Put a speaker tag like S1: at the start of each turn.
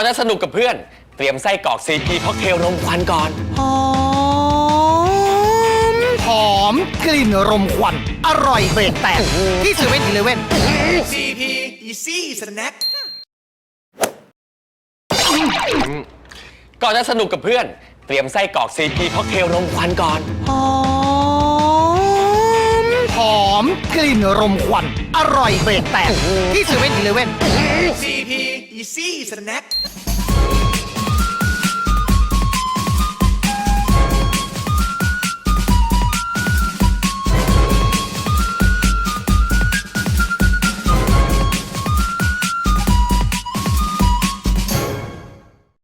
S1: จะสนุกกับเพื่อนเตรียมไส้กรอกซีพีค็อกเทลนมควันก่อน
S2: หอมกลิ่นรมควันอร่อยเบรกแตกที่เซเว่นอีเลฟเว่น
S3: CP Easy Snack
S1: ก่อนจะสนุกกับเพื่อนเตรียมไส้กรอกซีพีค็อกเทลนมควันก่อน
S2: หอมกลิ่นรมควันอร่อยเบรกแตกที่เซเว่นอีเลฟเว่น
S3: CP Easy Snack